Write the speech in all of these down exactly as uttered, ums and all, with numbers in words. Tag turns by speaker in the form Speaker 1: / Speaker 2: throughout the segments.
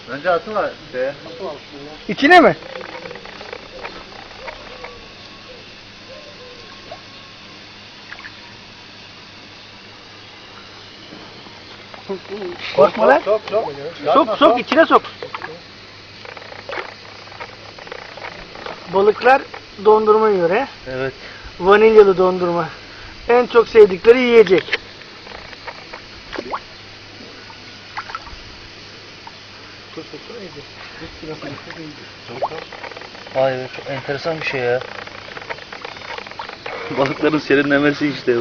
Speaker 1: Önce atı var. Şeye.
Speaker 2: İçine mi? Korkma lan.
Speaker 1: Sok sok.
Speaker 2: Sok sok içine sok. Balıklar dondurma yiyor he.
Speaker 3: Evet.
Speaker 2: Vanilyalı dondurma. En çok sevdikleri yiyecek.
Speaker 3: Vay be, çok enteresan bir şey ya. Balıkların serinlemesi işte bu.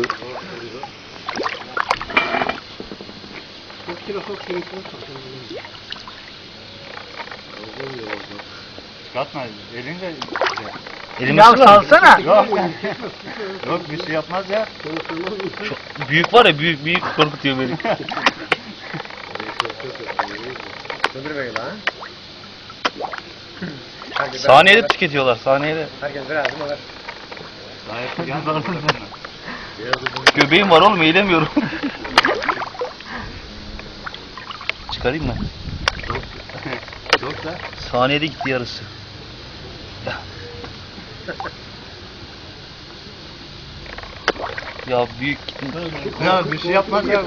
Speaker 1: Çıkartma. Elinle.
Speaker 3: Elime
Speaker 2: Ya
Speaker 3: sıra.
Speaker 2: salsana.
Speaker 1: Yok. Yok bir şey yapmaz ya.
Speaker 3: Çok büyük var ya, büyük büyük korkutuyor beni. Saniyede tüketiyorlar, saniyede.
Speaker 1: Herkes biraz mı var?
Speaker 3: Göbeğim var oğlum, eğilemiyorum. Çıkarayım mı?
Speaker 1: Çok da.
Speaker 3: Saniyede gitti yarısı. Ya büyük gitti.
Speaker 1: Ya bir şey yapmaz ya.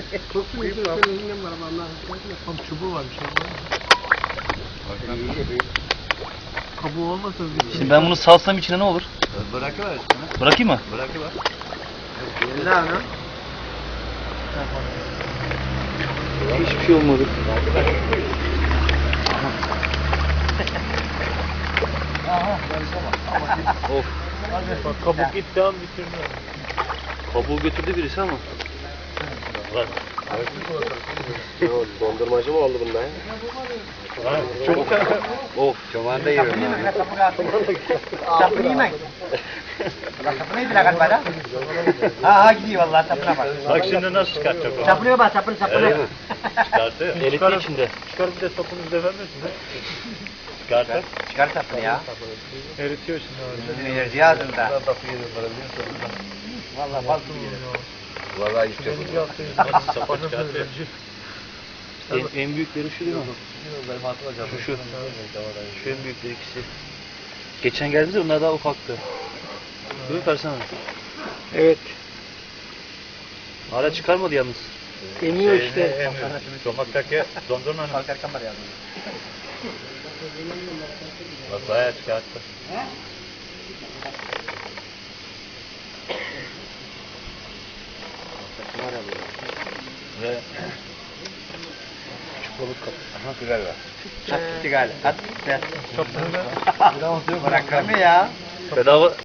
Speaker 2: Tam çubuğu var bir şey. Kabuğu olmasa
Speaker 3: Şimdi ben bunu salsam içine ne olur?
Speaker 1: Bırakıver üstüne.
Speaker 3: Bırakayım mı?
Speaker 1: Bırakıver. Ne lan?
Speaker 3: Hiçbir şey olmadı. Of.
Speaker 2: Bak kabuk gitti an bitirdi.
Speaker 3: Kabuğu götürdü birisi ama.
Speaker 1: Dondurmacı mı oldu bunda ya? Çok. Of. Çoban da yiyor.
Speaker 4: Sapını yemem. Sapını yediler galiba da. Ha ha gidiyor vallahi sapına bak.
Speaker 1: Bak şimdi nasıl çıkartacak o?
Speaker 4: Sapını bak sapını sapını.
Speaker 1: Çıkartıyor.
Speaker 3: Elitli içinde.
Speaker 2: Çıkar bir de sapını bize vermesin de.
Speaker 1: Çıkartır.
Speaker 4: Çıkar sapını ya.
Speaker 2: Eritiyor şimdi abi.
Speaker 4: Enerji ağzında. Vallahi bal gibi gelir.
Speaker 1: Vallahi istiyor.
Speaker 2: Birinci haftayı
Speaker 1: Sapa çıkartıyor.
Speaker 3: En, en büyükleri şu değil mi? Şu şu. Şu en büyükleri ikisi. Geçen geldiğimizde onlar daha ufaktı. Değil mi Fersan abi?
Speaker 2: Evet.
Speaker 3: Hala çıkarmadı yalnız.
Speaker 2: Emiyor işte.
Speaker 1: Sokaktaki dondurmanın.
Speaker 4: Kalkarken var yazdım.
Speaker 1: Bak bayağı çıkarttı. Ve küçük balık kapı. Aha güzel var.
Speaker 4: Çok gitti galiba. Hadi. Çok. Bırak ya.
Speaker 3: Bedava